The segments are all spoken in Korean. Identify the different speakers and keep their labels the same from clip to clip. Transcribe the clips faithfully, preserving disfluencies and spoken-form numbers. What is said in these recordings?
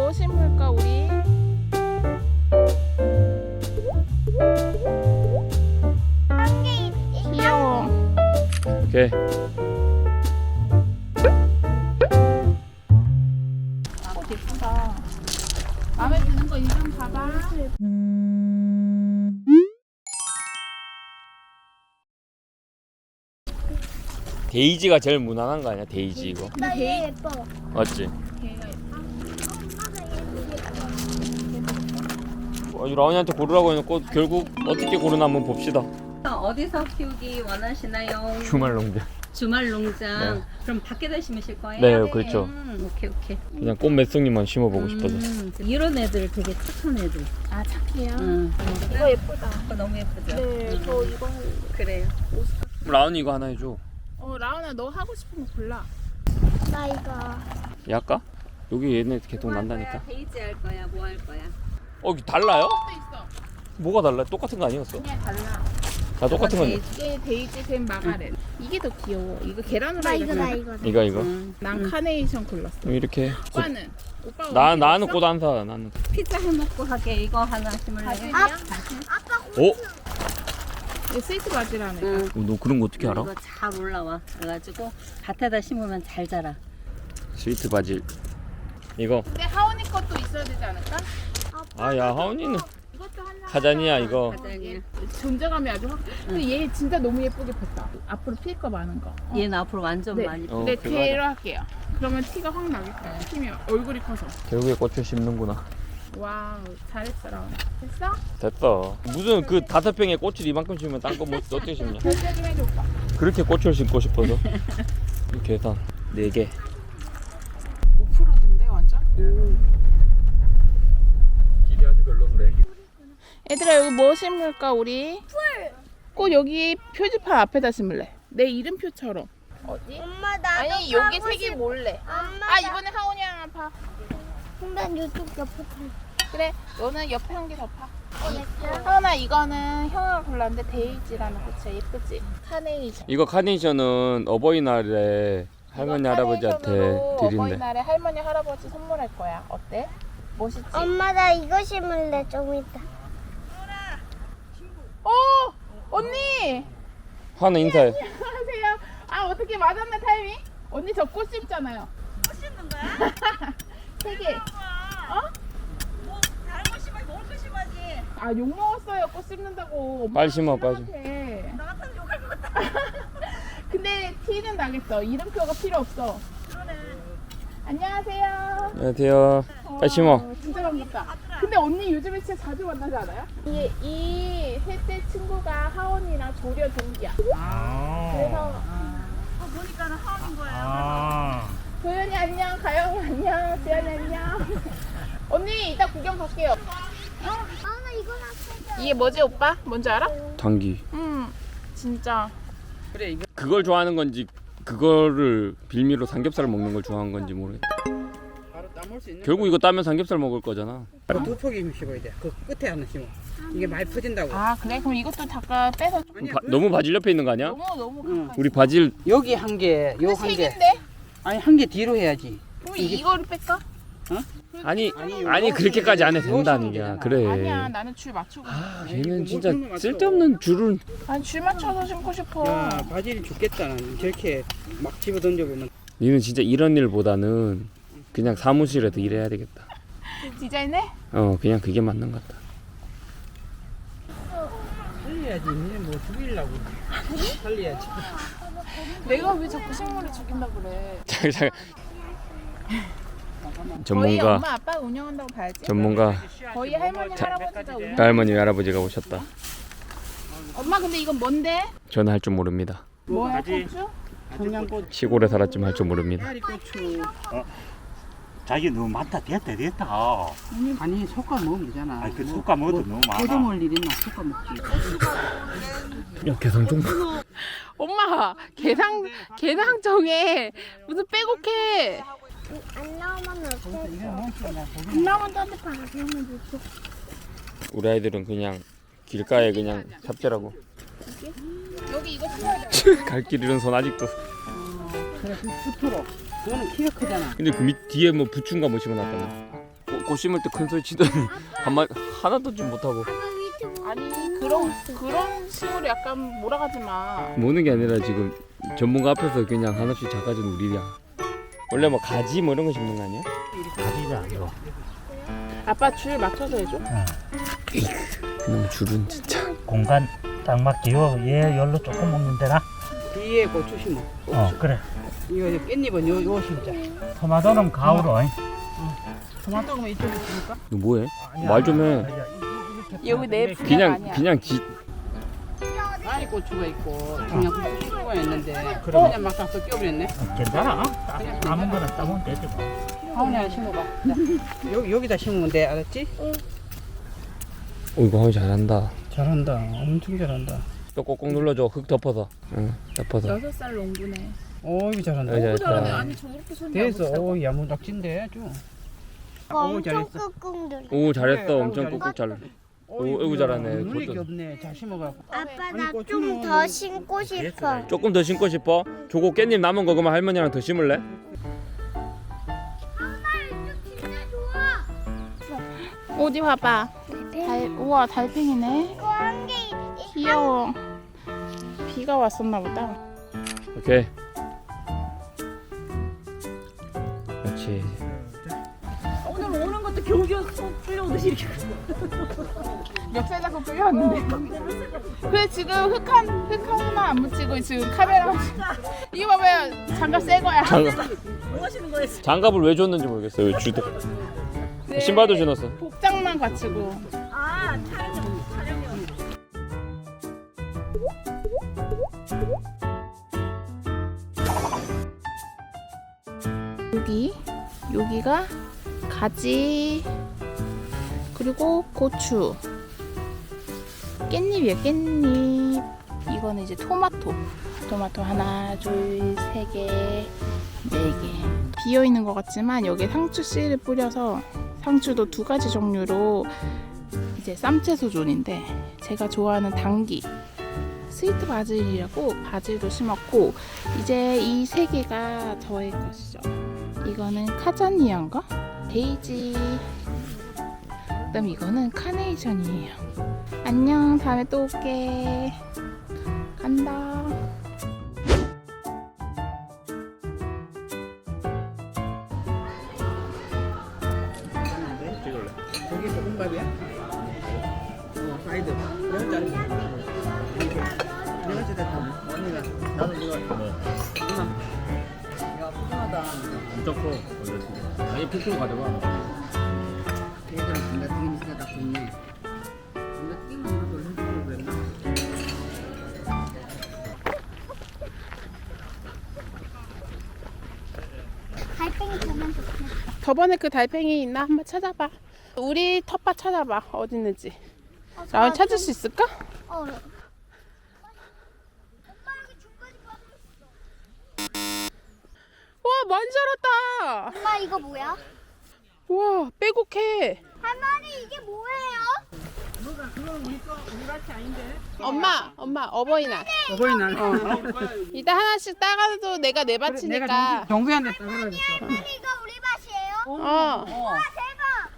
Speaker 1: 뭐 심을까 우리? 귀여워.
Speaker 2: 오케이.
Speaker 1: 꽃 예쁘다. 마음에 드는 거 인상 봐봐.
Speaker 2: 데이지가 제일 무난한 거 아니야? 데이지 이거.
Speaker 3: 나 얘 예뻐.
Speaker 2: 맞지?
Speaker 1: 걔가 예뻐.
Speaker 2: 어, 이 라온이한테 고르라고 해놓고 결국 어떻게 고르나 한번 봅시다.
Speaker 4: 어디서 키우기 원하시나요?
Speaker 2: 주말 농장.
Speaker 4: 주말 농장.
Speaker 2: 네.
Speaker 4: 그럼 밖에다 심으실 거예요?
Speaker 2: 네, 그렇죠.
Speaker 4: 음, 오케이 오케이.
Speaker 2: 그냥 꽃 몇 송이만 심어보고 싶어서.
Speaker 4: 음, 이런 애들 되게 착한 애들.
Speaker 1: 아 착해요.
Speaker 4: 음.
Speaker 1: 이거 예쁘다.
Speaker 4: 이거 너무 예쁘죠?
Speaker 1: 네,
Speaker 4: 음.
Speaker 1: 저 이거 할래.
Speaker 4: 그래요.
Speaker 2: 라온이 이거 하나 해줘.
Speaker 1: 어 라온아 너 하고 싶은 거 골라.
Speaker 3: 나 이거.
Speaker 2: 얘 할까? 여기 얘네 계속
Speaker 4: 뭐 할
Speaker 2: 난다니까.
Speaker 4: 거야? 데이지 할 거야? 뭐 할 거야?
Speaker 2: 어, 이게 달라요?
Speaker 1: 또 있어.
Speaker 2: 뭐가 달라? 똑같은 거 아니었어?
Speaker 1: 그냥 달라.
Speaker 2: 다 똑같은 거 아니야?
Speaker 1: 이게 데이지 샘 마가렛. 이게 더 귀여워. 이거 계란
Speaker 3: 나
Speaker 1: 후라이
Speaker 3: 이거 나 이거.
Speaker 2: 이거 이거.
Speaker 4: 음.
Speaker 1: 난 카네이션 골랐어.
Speaker 2: 이렇게.
Speaker 1: 오빠는? 오빠
Speaker 2: 나 나는 꽃 안 사. 나는.
Speaker 4: 피자 해먹고 하게 이거 하나 심을래?
Speaker 1: 바질이야?
Speaker 2: 오,
Speaker 1: 이거 스위스 바지라는 거.
Speaker 4: 응.
Speaker 2: 어, 너 그런 거 어떻게 알아?
Speaker 4: 이거 잘 올라와. 그래가지고 밭에다 심으면 잘 자라.
Speaker 2: 스위트 바질. 이거.
Speaker 1: 근데 하온이 것도 있어야 되지 않을까?
Speaker 2: 아, 야 하온이는
Speaker 1: 이것도 하나.
Speaker 2: 가자니야 이거.
Speaker 4: 가자니야.
Speaker 1: 존재감이 아주 확. 근데 얘 진짜 너무 예쁘게 폈다. 앞으로 필 거 많은 거. 어.
Speaker 4: 얘는 앞으로 완전
Speaker 1: 네.
Speaker 4: 많이.
Speaker 2: 어,
Speaker 1: 네,
Speaker 2: 그거
Speaker 1: 걔로 할게요. 그러면 티가 확 나겠다. 팀이 얼굴이 커서.
Speaker 2: 결국에 꽃을 심는구나.
Speaker 1: 와우, 잘했어, 라온아. 됐어?
Speaker 2: 됐어. 무슨 그 다섯 평에 꽃을 이만큼 심으면 딴 거 뭐 어떻게 심냐?
Speaker 1: 결제 좀 해줘, 오빠.
Speaker 2: 그렇게 꽃을 심고 싶어서. 이 계산 네 개.
Speaker 1: 오 퍼센트던데 완전?
Speaker 2: 길이 아주 별론데.
Speaker 1: 얘들아 여기 뭐 심을까 우리? 풀! 꽃 여기 표지판 앞에다 심을래. 내 이름표처럼. 어디?
Speaker 3: 엄마 나도.
Speaker 1: 아니 여기 색이 몰래.
Speaker 3: 엄마.
Speaker 1: 아 이번에 하온이 하나 파.
Speaker 3: 난 이쪽 옆에.
Speaker 1: 그래 너는 옆에 한 개 더 파.
Speaker 3: 어,
Speaker 1: 하온아 이거는 형아가 골랐는데 데이지라는 꽃이야. 예쁘지? 카네이션.
Speaker 2: 이거 카네이션은 어버이날에 할머니
Speaker 1: 이거
Speaker 2: 할아버지한테
Speaker 1: 카네이션으로
Speaker 2: 드린대.
Speaker 1: 어버이날에 할머니 할아버지 선물할 거야. 어때? 멋있지?
Speaker 3: 엄마 나 이거 심을래 좀 이따.
Speaker 1: 어 언니.
Speaker 2: 하나 인사해.
Speaker 1: 안녕하세요. 아 어떻게 맞았네 타이밍? 언니 저 꽃 심잖아요. 꽃 심는 거야? 세 개. 어?
Speaker 5: 뭐 다른 거 심어야지 먹을 거 심어야지.
Speaker 1: 아 욕 먹었어요 꽃 심는다고. 엄마가
Speaker 2: 빨리 심어, 빨리
Speaker 1: 신랑한테.
Speaker 5: 나 같아도 욕할 것 같다.
Speaker 1: 근데 티는 나겠어. 이름표가 필요 없어.
Speaker 5: 그러네.
Speaker 1: 안녕하세요.
Speaker 2: 안녕하세요. 빨리 심어.
Speaker 1: 어, 진짜 반갑다. 근데 언니 요즘에 진짜 자주 만나지 않아요? 이게 이 셋째 친구가 하원이랑 조려 동기야. 그래서
Speaker 5: 아, 보니까는 하원인 거예요.
Speaker 6: 아,
Speaker 1: 도현이 안녕, 가영이 안녕, 지연이 안녕. 언니 이따 구경 갈게요.
Speaker 3: 아 나 이거 놨어.
Speaker 1: 이게 뭐지 오빠? 뭔지 알아?
Speaker 2: 당기.
Speaker 1: 음 진짜.
Speaker 2: 그걸 좋아하는 건지 그거를 빌미로 삼겹살 먹는 걸 좋아하는 건지 모르겠다.
Speaker 6: 바로 따먹을 수 있는.
Speaker 2: 결국 이거 따면 삼겹살 먹을 거잖아.
Speaker 6: 두 폭이 심어야 돼. 그 끝에 하나 심어. 이게 많이 퍼진다고.
Speaker 1: 아 그래? 그럼 이것도 잠깐 빼서.
Speaker 6: 아니야,
Speaker 2: 바,
Speaker 6: 그-
Speaker 2: 너무 바질 옆에 있는 거 아니야?
Speaker 1: 너무 너무
Speaker 6: 응.
Speaker 1: 가까이.
Speaker 2: 우리 바질
Speaker 6: 여기 한 개, 요
Speaker 1: 근데
Speaker 6: 한
Speaker 1: 세
Speaker 6: 개.
Speaker 1: 개인데?
Speaker 6: 아니 한 개 뒤로 해야지.
Speaker 1: 그럼
Speaker 6: 이게-
Speaker 1: 이거를 뺄까?
Speaker 2: 아니
Speaker 6: 아니,
Speaker 2: 아니
Speaker 6: 요
Speaker 2: 그렇게까지 안 해도
Speaker 6: 심으면
Speaker 2: 된다는
Speaker 6: 되잖아.
Speaker 2: 게 그래.
Speaker 1: 아니야 나는 줄 맞추고.
Speaker 2: 아,
Speaker 6: 아니,
Speaker 2: 얘는
Speaker 6: 이거
Speaker 2: 진짜
Speaker 6: 뭘 맞춰.
Speaker 2: 쓸데없는 줄을.
Speaker 1: 아니 줄 맞춰서 심고 싶어.
Speaker 6: 야, 바질이 죽겠다. 나는. 저렇게 막 집어 던져보면.
Speaker 2: 니는 진짜 이런 일보다는 그냥 사무실에서 일해야 되겠다.
Speaker 1: 디자인해?
Speaker 2: 어 그냥 그게 맞는 것 같다.
Speaker 6: 살려야지. 니는 뭐 죽이려고. 살려야지.
Speaker 1: 내가 왜 자꾸 식물을 죽인다 그래?
Speaker 2: 잠깐 잠깐.
Speaker 1: 거의
Speaker 2: 전문가
Speaker 1: 엄마 아빠가 운영한다고 봐야지.
Speaker 2: 전문가
Speaker 1: 거의 할머니 할아버지가 운영.
Speaker 2: 할머니 할아버지가 오셨다.
Speaker 1: 엄마 근데 이건 뭔데?
Speaker 2: 저는 할 줄 모릅니다.
Speaker 1: 뭐야 고추?
Speaker 6: 청양고추.
Speaker 2: 시골에 살았지만 할 줄 모릅니다.
Speaker 6: 파리고추.
Speaker 7: 자기 너무 많다 됐다 됐다.
Speaker 6: 아니 솎아 먹으면 되잖아.
Speaker 7: 아니 그 숟가 먹어도 너무 많아.
Speaker 6: 고정할 일 있나? 솎아 먹지.
Speaker 2: 야 계산 좀.
Speaker 1: 엄마 개상 개상 정해 무슨 빼곡해.
Speaker 3: 안 나오면 어떡해?
Speaker 6: 이거 뭔지
Speaker 3: 안 나오면 따뜻한 거 하면 되지.
Speaker 2: 우리 아이들은 그냥 길가에 그냥 삽질하고
Speaker 1: 여기 이거 심어야 돼.
Speaker 2: 갈 길 잃은 손 아직도.
Speaker 6: 그래 그 숲으로. 그거는 키가 크잖아.
Speaker 2: 근데 그 밑 뒤에 뭐 부추인가 뭐 심어놨다며. 꽃 심을 때 큰 소리 치더니 한마 하나도 좀 못하고.
Speaker 3: 아빠 밑에 뭐
Speaker 1: 아니 그런 그런 식으로 약간 몰아가지 마.
Speaker 2: 모는 게 아니라 지금 전문가 앞에서 그냥 한없이 작아진 우리야. 원래 뭐 가지 뭐 이런 거 심는 거 아니야?
Speaker 7: 가지가 안 줘.
Speaker 1: 아빠 줄 맞춰서 해줘.
Speaker 2: 그놈 줄은 진짜.
Speaker 7: 공간 딱 맞게 요, 얘 열로 조금 먹는 데나?
Speaker 6: 뒤에 고추 심어.
Speaker 7: 어, 그래.
Speaker 6: 이거 이제 깻잎은 요, 요 심자.
Speaker 7: 토마토는 가을로.
Speaker 6: 토마토가 이쪽에 심을까?
Speaker 2: 너 뭐해? 말 좀 해.
Speaker 1: 여기 내 분야가
Speaker 2: 그냥
Speaker 1: 아니야.
Speaker 2: 그냥 지.
Speaker 6: 아이 고추가 있고 중량 고추가 있는데 그냥 막상 또 껴버렸네.
Speaker 7: 괜찮아. 아무거나 따면 되지 뭐.
Speaker 6: 하은이 하나 심어봐. 자, 여기, 여기다 심으면 돼. 알았지?
Speaker 2: 오 이거 하면 잘한다.
Speaker 6: 잘한다. 엄청 잘한다.
Speaker 2: 또 꼭꼭 눌러줘. 흙 덮어서. 응 덮어서.
Speaker 1: 여섯 살 농부네.
Speaker 6: 오, 이거 잘한다.
Speaker 2: 여기
Speaker 1: 너무 잘하네.
Speaker 2: 잘했다.
Speaker 1: 아니 저렇게 손이
Speaker 6: 됐어.
Speaker 1: 안
Speaker 6: 오, 야무작진데 아주.
Speaker 3: 엄청
Speaker 6: 잘했어.
Speaker 3: 꾹꾹 눌러.
Speaker 2: 오 잘했어.
Speaker 6: 그래,
Speaker 2: 엄청
Speaker 6: 아이고,
Speaker 2: 꾹꾹 잘.
Speaker 6: 오,
Speaker 2: 오, 아이고, 잘하네.
Speaker 6: 눌릴 게
Speaker 2: 그것도.
Speaker 6: 없네. 잘 심어갖고.
Speaker 3: 아빠 나
Speaker 6: 고추는
Speaker 3: 좀 더 심고 싶어.
Speaker 2: 조금 더 심고 싶어? 저거 깻잎 남은 거 그러면 할머니랑 더 심을래?
Speaker 1: 어디 봐봐. 달 우와 달팽이네.
Speaker 3: 이거 한개
Speaker 1: 귀여워. 비가 왔었나 보다.
Speaker 2: 오케이. 그렇지.
Speaker 5: 오늘 오는 것도 겨우겨우 쏙 끌려오듯이 이렇게.
Speaker 1: 멱살 잡고 끌려왔는데. 그래 지금 흑한 흑한 하나 안 묻히고 지금 카메라. 이거 봐봐요. 장갑 새 거야.
Speaker 2: 장갑,
Speaker 5: 뭐 하시는 거예요?
Speaker 2: 장갑을 왜 줬는지 모르겠어요. 왜 주도.
Speaker 1: 네,
Speaker 2: 신발도 신었어.
Speaker 1: 복장만 갖추고.
Speaker 5: 아 촬영 촬영용.
Speaker 1: 여기 여기가 가지 그리고 고추 깻잎이에요 깻잎. 이거는 이제 토마토 토마토 하나 둘세개네개 비어 있는 것 같지만 여기에 상추 씨를 뿌려서 상추도 두 가지 종류로 이제 쌈채소존인데 제가 좋아하는 당귀 스위트 바질이라고 바질도 심었고 이제 이 세 개가 저의 것이죠. 이거는 카자니아인가? 데이지. 그다음 이거는 카네이션이에요. 안녕 다음에 또 올게. 간다.
Speaker 6: 저기 볶음밥이야? 어, 사이드. 내가 자르 내가 자르다. 언니가.
Speaker 7: 나도 이거 뭐.
Speaker 6: 야, 푸짐하다.
Speaker 2: 엄청 커. 원래 지금. 아니 푹푹 가져가.
Speaker 6: 얘들은 뭔가 튀김 있으니까 좋네. 뭔가 튀김 이런 걸 해주려고 그랬나?
Speaker 3: 달팽이 보면 좋겠다.
Speaker 1: 저번에 그 달팽이 있나 한번 찾아봐. 우리 텃밭 찾아봐. 어디 있는지. 나 찾을 수 있을까?
Speaker 3: 어.
Speaker 1: 와 많이 자랐다.
Speaker 3: 엄마 이거 뭐야?
Speaker 1: 와 빼곡해.
Speaker 3: 할머니 이게 뭐예요?
Speaker 1: 엄마 엄마 어버이날.
Speaker 6: 어버이날. 어.
Speaker 1: 이따 하나씩 따가도 내가 내 밭이니까.
Speaker 6: 정수한테 따라야겠어.
Speaker 3: 할머니 이거 우리 밭이에요?
Speaker 1: 어.
Speaker 3: 와 대박.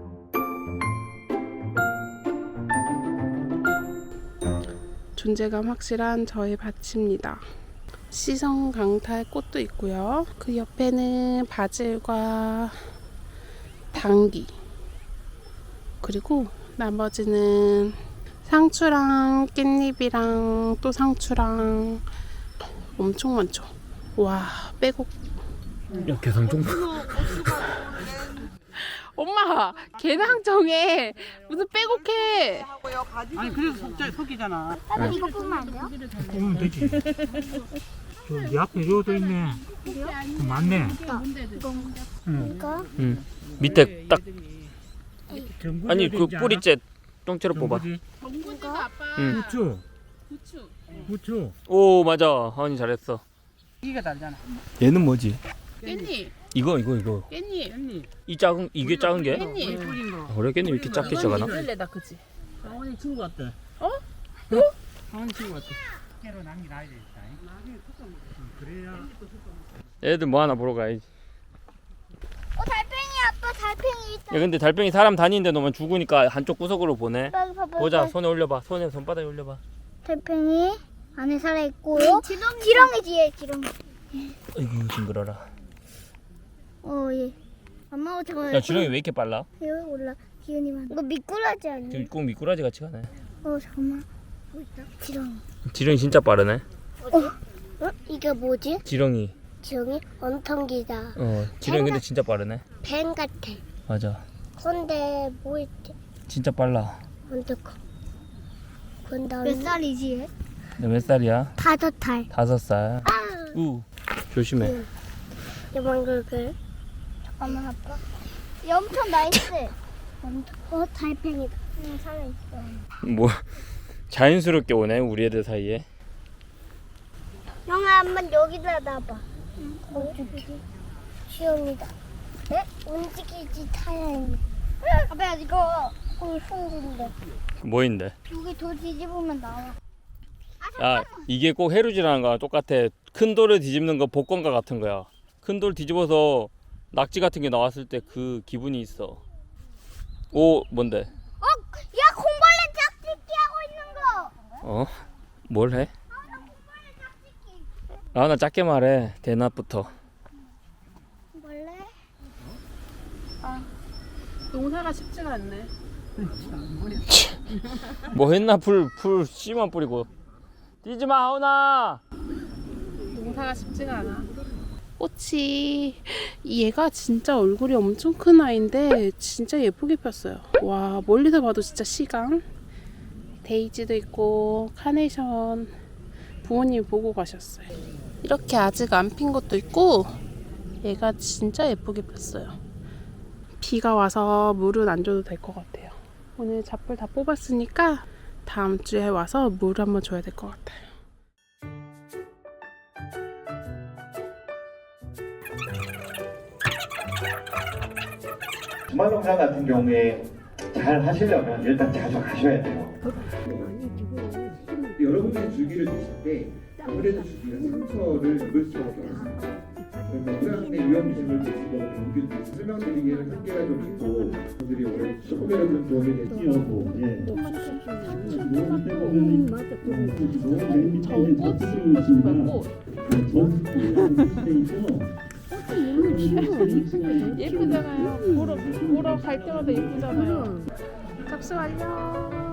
Speaker 1: 존재감 확실한 저의 밭입니다. 시성 강탈 꽃도 있고요. 그 옆에는 바질과 당귀 그리고 나머지는 상추랑 깻잎이랑 또 상추랑 엄청 많죠. 와 빼곡.
Speaker 2: 야 개성종.
Speaker 1: 엄마 개낭정에 무슨 빼곡해.
Speaker 6: 아니 그래서 속자 속이잖아.
Speaker 3: 할머니 이거 보면 안 돼요?
Speaker 7: 보면 되지. 저이 앞에 요도 있네. 맞네.
Speaker 3: 이거?
Speaker 2: 응. 밑에 딱
Speaker 7: 전구
Speaker 2: 아니
Speaker 7: 요도
Speaker 2: 그
Speaker 7: 있지 않아?
Speaker 2: 뿌리째 똥째로 뽑아.
Speaker 7: 전구지?
Speaker 1: 정구지가 아빠.
Speaker 2: 응.
Speaker 7: 부추.
Speaker 1: 부추.
Speaker 7: 부추.
Speaker 2: 오 맞아. 하은이 잘했어.
Speaker 6: 이게 다르잖아.
Speaker 2: 얘는 뭐지?
Speaker 1: 깻잎.
Speaker 2: 이거 이거 이거.
Speaker 1: 깻잎.
Speaker 2: 이 작은 이게 작은 게?
Speaker 1: 깻잎.
Speaker 6: 뿌린 거.
Speaker 2: 원래 깻잎 이렇게 작게 시작하나?
Speaker 1: 이끌레다 그치?
Speaker 7: 아니 친구 같대.
Speaker 6: 하은 친구 같아.
Speaker 7: 깨로 남기 놔야 되겠다. 그래야.
Speaker 2: 애들 뭐 하나 보러 가야지.
Speaker 3: 어 달팽이 아빠 달팽이 있다.
Speaker 2: 근데 달팽이 사람 다니는데 놓으면 죽으니까 한쪽 구석으로 보내.
Speaker 3: 빨리 봐봐.
Speaker 2: 보자. 손에 올려봐. 손에 손바닥에 올려봐.
Speaker 3: 달팽이 안에 살아 있고요. 지렁이. 지렁이지 얘 지렁이.
Speaker 2: 아이고 징그러라.
Speaker 3: 어 예. 엄마가 저거.
Speaker 2: 야 지렁이 왜 이렇게 빨라?
Speaker 3: 여기 올라. 기운이만. 이거 미꾸라지 아니야?
Speaker 2: 지금 꼭 미꾸라지 같이 가네.
Speaker 3: 어 잠깐만. 뭐 있다? 지렁이.
Speaker 2: 지렁이 진짜 빠르네.
Speaker 3: 어? 이게 뭐지?
Speaker 2: 지렁이.
Speaker 3: 지렁이? 원통기다.
Speaker 2: 어 지렁이 근데 진짜 빠르네.
Speaker 3: 뱀 같아.
Speaker 2: 맞아.
Speaker 3: 근데 뭐 있지?
Speaker 2: 진짜 빨라.
Speaker 3: 언제 커? 몇 살이지 얘?
Speaker 2: 너 몇 살이야?
Speaker 3: 다섯 살.
Speaker 2: 다섯 살.
Speaker 3: 아.
Speaker 2: 우 조심해.
Speaker 3: 요만글글. 잠깐만 아빠. 얘 엄청 나이스. 엄청. 어 달팽이다. 응 살아있어.
Speaker 2: 뭐 자연스럽게 오네 우리 애들 사이에.
Speaker 3: 형아 한번 여기다 놔봐. 응. 움직이지. 시험이다. 에? 움직이지 타야지. 아빠 이거 거기 숨긴데.
Speaker 2: 뭐인데?
Speaker 3: 여기 돌 뒤집으면 나와.
Speaker 2: 야 이게 꼭 해루지라는 거랑 똑같아. 큰 돌을 뒤집는 거 복권과 같은 거야. 큰 돌 뒤집어서 낙지 같은 게 나왔을 때 그 기분이 있어. 오 뭔데?
Speaker 3: 어? 야 공벌레 짝짓기 하고 있는 거.
Speaker 2: 어? 뭘 해?
Speaker 3: 아, 나 공벌레 짝짓기.
Speaker 2: 아 나 작게 말해. 대낮부터.
Speaker 3: 공벌레?
Speaker 1: 농사가 쉽지가 않네.
Speaker 2: 뭐 했나 풀 풀 씨만 뿌리고. 뛰지 마 하은아.
Speaker 1: 농사가 쉽지가 않아. 꽃이 얘가 진짜 얼굴이 엄청 큰 아이인데 진짜 예쁘게 폈어요. 와 멀리서 봐도 진짜 시강. 데이지도 있고 카네이션 부모님이 보고 가셨어요. 이렇게 아직 안 핀 것도 있고 얘가 진짜 예쁘게 폈어요. 비가 와서 물은 안 줘도 될 것 같아요. 오늘 잡풀 다 뽑았으니까 다음 주에 와서 물 한번 줘야 될 것 같아요.
Speaker 8: 주말 농사 같은 경우에 잘 하시려면 일단 자주 가셔야 돼요. 여러분들이 주기를 드실 때 아무래도 주기가 상처를 입을 수밖에 없습니다. 그러면 후양의 위험심을 드시고 병균 설명드리기에는 한계가 좀 있고 분들이 원래 조금이라도 좀 도움이 되시려고 예.
Speaker 1: 예쁘잖아요. 보러 보러 갈 때마다 예쁘잖아요. 접수 완료.